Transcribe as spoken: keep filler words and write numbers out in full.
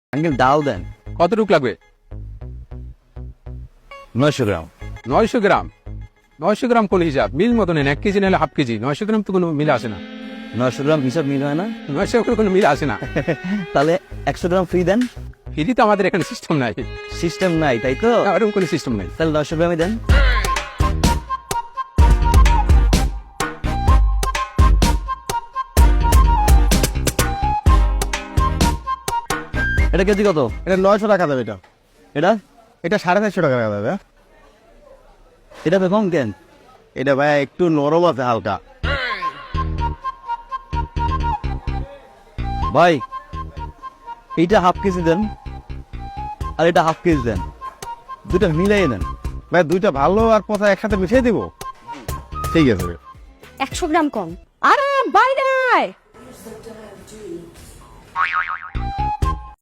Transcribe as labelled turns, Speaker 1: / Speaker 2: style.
Speaker 1: Uncle ডাল দেন
Speaker 2: কতটুক লাগবে?
Speaker 1: নয়শো গ্রাম।
Speaker 2: নয়শো গ্রাম নয়শো গ্রাম কোন হিসাব? মিল মতো নেন, এক কেজি নাহলে হাফ কেজি। নয়শো গ্রাম তো কোনো মিল আসে না।
Speaker 1: নয়শো গ্রাম হিসাব মিল হয় না?
Speaker 2: নয়শো গ্রাম কোনো মিল আসে না।
Speaker 1: তাহলে একশো গ্রাম ফ্রি দেন।
Speaker 2: ফ্রি তো আমাদের এখানে সিস্টেম নাই।
Speaker 1: সিস্টেম নাই তাই তো?
Speaker 2: না, ওরকম কোনো সিস্টেম নাই।
Speaker 1: তাহলে নয়শো গ্রামই দেন। এটা কেজি কত?
Speaker 3: এটা নয়শো টাকা দেবে। এটা
Speaker 1: এটা
Speaker 3: এটা সাড়ে চারশো টাকা দেবে।
Speaker 1: এটা বেকম কেন?
Speaker 3: এটা ভাই একটু নরম আছে হালকা।
Speaker 1: ভাই এইটা হাফ কেজি দেন আর এটা হাফ কেজি দেন, দুটা মিলাই দেন।
Speaker 3: ভাই দুইটা ভালো আর পচা একসাথে মিশিয়ে দিব। ঠিক আছে।
Speaker 4: একশো গ্রাম কম। আরে বাইরে আয়।